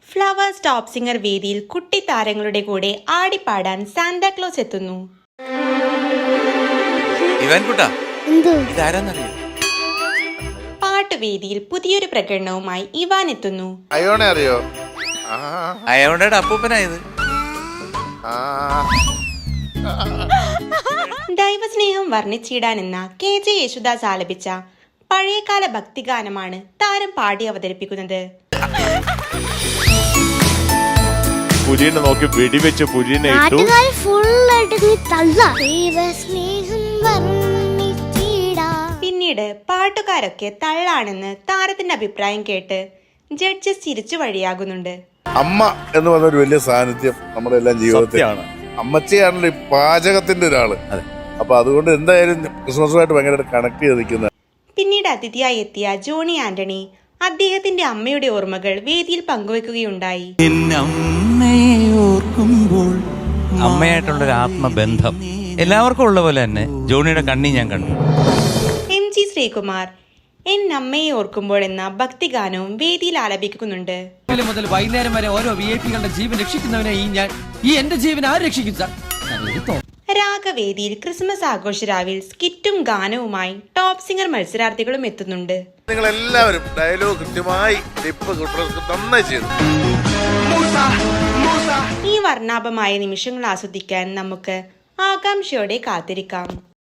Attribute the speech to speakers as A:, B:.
A: Flowers top singer വേദിയിൽ കുട്ടി താരങ്ങളുടെ കൂടെ ആടിപ്പാടാൻ സാന്താക്ലോസ് എത്തുന്നു. പാട്ടുവേദിയിൽ പുതിയൊരു പ്രകടനവുമായി ഇവാൻ എത്തുന്നു. ദൈവസ്നേഹം വർണ്ണിച്ചിടാനെന്ന KJ യേശുദാസ് ആലപിച്ച പഴയകാല ഭക്തിഗാനമാണ് താരം പാടി അവതരിപ്പിക്കുന്നത്.
B: പുലിനെ നോക്കി വെടിവെച്ച് പുലിനെ ഇട്ടു.
A: പിന്നീട് പാട്ടുകാരൊക്കെ തള്ളാണെന്ന് താരത്തിന്റെ അഭിപ്രായം കേട്ട് ജഡ്ജസ് ചിരിച്ചു വഴിയാകുന്നുണ്ട്.
C: അമ്മ എന്ന് പറഞ്ഞ ഒരു വലിയ സാന്നിധ്യം നമ്മുടെ എല്ലാം ജീവിതത്തിലാണ്. അമ്മച്ചിയാണല്ലോ ഈ പാചകത്തിന്റെ ഒരാള്. അപ്പൊ അതുകൊണ്ട് എന്തായാലും ക്രിസ്മസുമായിട്ട് ഭയങ്കരമായിട്ട് കണക്ട് ചെയ്ത് നിൽക്കുന്നത്.
A: പിന്നീട് അതിഥിയായി എത്തിയ ജോണി ആന്റണി അദ്ദേഹത്തിന്റെ അമ്മയുടെ ഓർമ്മകൾ വേദിയിൽ പങ്കുവെക്കുകയുണ്ടായി.
D: അമ്മയായിട്ടുള്ളൊരു ആത്മബന്ധം എല്ലാവർക്കും ഉള്ള പോലെ തന്നെ ജോണിയുടെ കണ്ണി ഞാൻ കണ്ടു.
A: MG ശ്രീകുമാർ എൻ അമ്മയെ ഓർക്കുമ്പോൾ എന്ന ഭക്തിഗാനവും വേദിയിൽ ആലപിക്കുന്നുണ്ട്.
E: മുതൽ വൈകുന്നേരം വരെ ഓരോ VIP-കളുടെ ജീവൻ രക്ഷിക്കുന്നവനെ എന്റെ ജീവൻ ആര് രക്ഷിക്കും സാർ?
A: രാഗവേദിയിൽ ക്രിസ്മസ് ആഘോഷരാവിൽ സ്കിറ്റും ഗാനവുമായി ടോപ്പ് സിംഗർ മത്സരാർത്ഥികളും എത്തുന്നുണ്ട്.
C: നിങ്ങൾ എല്ലാവരും ഡയലോഗ് കൃത്യമായി നന്നായി ചെയ്തു.
A: ഈ വർണ്ണാഭമായ നിമിഷങ്ങൾ ആസ്വദിക്കാൻ നമുക്ക് ആകാംക്ഷയോടെ കാത്തിരിക്കാം.